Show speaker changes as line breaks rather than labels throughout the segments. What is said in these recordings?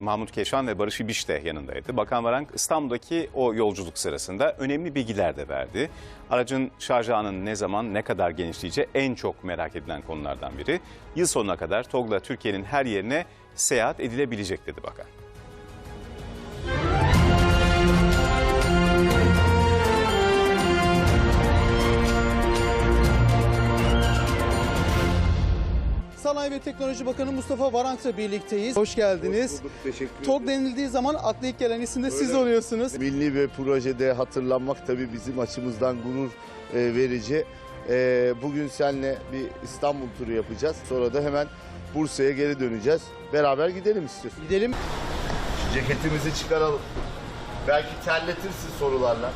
Mahmut Keşan ve Barış İbiş de yanındaydı. Bakan Varank İstanbul'daki o yolculuk sırasında önemli bilgiler de verdi. Aracın şarj ağının ne zaman ne kadar genişleyeceği en çok merak edilen konulardan biri. Yıl sonuna kadar TOGG'la Türkiye'nin her yerine seyahat edilebilecek dedi bakan.
Sanayi ve Teknoloji Bakanı Mustafa Varank'la birlikteyiz. Hoş geldiniz.
Hoş bulduk, teşekkür ederim.
TOGG denildiği zaman akla ilk gelen isim de siz oluyorsunuz.
Milli bir projede hatırlanmak tabii bizim açımızdan gurur verici. Bugün seninle bir İstanbul turu yapacağız. Sonra da hemen Bursa'ya geri döneceğiz. Beraber gidelim istiyorsun.
Gidelim.
Şu ceketimizi çıkaralım. Belki terletirsin sorularla.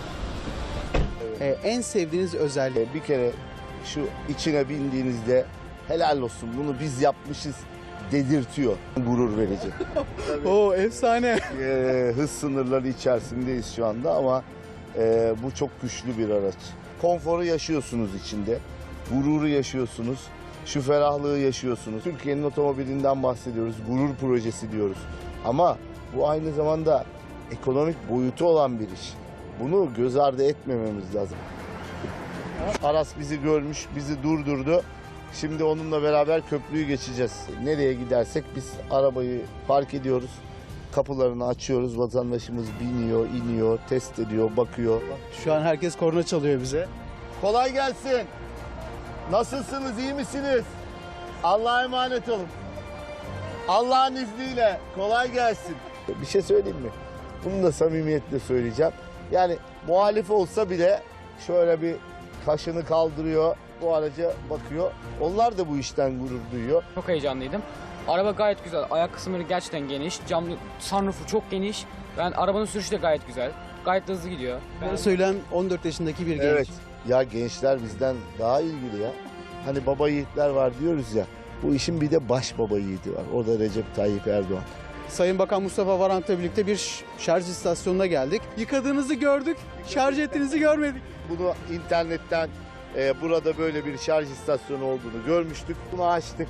En sevdiğiniz özelliği.
Bir kere şu içine bindiğinizde helal olsun bunu biz yapmışız dedirtiyor. Gurur verici.
Oo, efsane.
Hız sınırları içerisindeyiz şu anda ama bu çok güçlü bir araç. Konforu yaşıyorsunuz içinde, gururu yaşıyorsunuz, şu ferahlığı yaşıyorsunuz. Türkiye'nin otomobilinden bahsediyoruz, gurur projesi diyoruz. Ama bu aynı zamanda ekonomik boyutu olan bir iş. Bunu göz ardı etmememiz lazım. Aras bizi görmüş, bizi durdurdu. Şimdi onunla beraber köprüyü geçeceğiz. Nereye gidersek biz arabayı park ediyoruz. Kapılarını açıyoruz. Vatandaşımız biniyor, iniyor, test ediyor, bakıyor.
Şu an herkes korna çalıyor bize.
Kolay gelsin. Nasılsınız, iyi misiniz? Allah'a emanet olun. Allah'ın izniyle kolay gelsin. Bir şey söyleyeyim mi? Bunu da samimiyetle söyleyeceğim. Yani muhalif olsa bile şöyle bir kaşını kaldırıyor, bu araca bakıyor. Onlar da bu işten gurur duyuyor.
Çok heyecanlıydım. Araba gayet güzel. Ayak kısımları gerçekten geniş. Camlı sunroofu çok geniş. Yani arabanın sürüşü de gayet güzel. Gayet de hızlı gidiyor.
Böyle söyleyen 14 yaşındaki bir genç.
Evet. Ya gençler bizden daha ilgili ya. Hani baba yiğitler var diyoruz ya. Bu işin bir de baş baba yiğidi var. O da Recep Tayyip Erdoğan.
Sayın Bakan Mustafa Varank'la birlikte bir şarj istasyonuna geldik. Yıkadığınızı gördük, şarj ettiğinizi görmedik.
Bunu internetten burada böyle bir şarj istasyonu olduğunu görmüştük. Bunu açtık.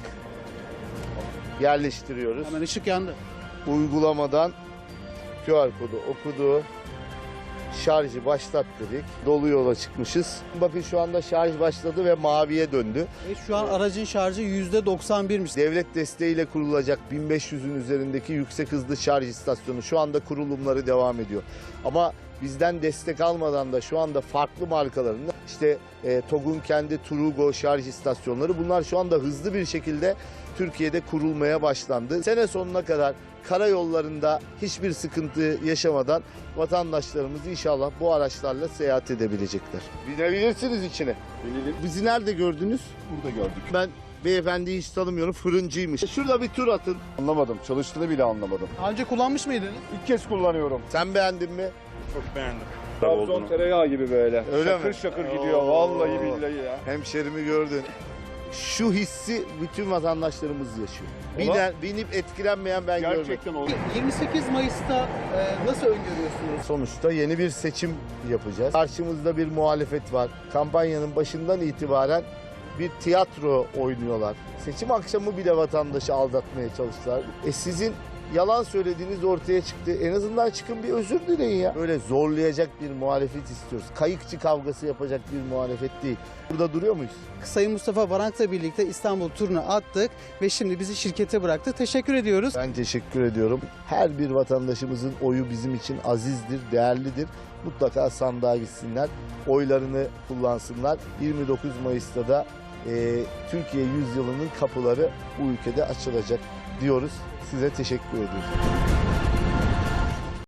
Yerleştiriyoruz.
Hemen ışık yandı.
Uygulamadan QR kodu okudu. Şarjı başlat dedik. Dolu yola çıkmışız. Bakın şu anda şarj başladı ve maviye döndü.
Şu an aracın şarjı %91'miş.
Devlet desteğiyle kurulacak 1500'ün üzerindeki yüksek hızlı şarj istasyonu şu anda kurulumları devam ediyor. Ama bizden destek almadan da şu anda farklı markaların işte TOGG'un kendi Trugo şarj istasyonları bunlar şu anda hızlı bir şekilde Türkiye'de kurulmaya başlandı. Sene sonuna kadar karayollarında hiçbir sıkıntı yaşamadan vatandaşlarımız inşallah bu araçlarla seyahat edebilecekler. Binebilirsiniz içine. Binelim. Bizi nerede gördünüz?
Burada gördük.
Ben beyefendiyi hiç tanımıyorum, fırıncıymış. Şurada bir tur atın.
Anlamadım. Çalıştığını bile anlamadım.
Daha önce kullanmış mıydınız?
İlk kez kullanıyorum.
Sen beğendin mi?
Çok beğendim. Trabzon tereyağı gibi böyle.
Öyle
şakır
mi?
şakır gidiyor.
Oo.
Vallahi billahi ya.
Hemşerimi gördün. Şu hissi bütün vatandaşlarımız yaşıyor. Binip etkilenmeyen ben görmedim.
Gerçekten olur.
28 Mayıs'ta nasıl öngörüyorsunuz?
Sonuçta yeni bir seçim yapacağız. Karşımızda bir muhalefet var. Kampanyanın başından itibaren bir tiyatro oynuyorlar. Seçim akşamı bile vatandaşı aldatmaya çalıştılar. Sizin yalan söylediğiniz ortaya çıktı. En azından çıkın bir özür dileyin ya. Böyle zorlayacak bir muhalefet istiyoruz. Kayıkçı kavgası yapacak bir muhalefet değil. Burada duruyor muyuz?
Sayın Mustafa Varank'la birlikte İstanbul turunu attık ve şimdi bizi şirkete bıraktı. Teşekkür ediyoruz.
Ben teşekkür ediyorum. Her bir vatandaşımızın oyu bizim için azizdir, değerlidir. Mutlaka sandığa gitsinler, oylarını kullansınlar. 29 Mayıs'ta da Türkiye Yüzyılı'nın kapıları bu ülkede açılacak diyoruz. Size teşekkür ediyoruz.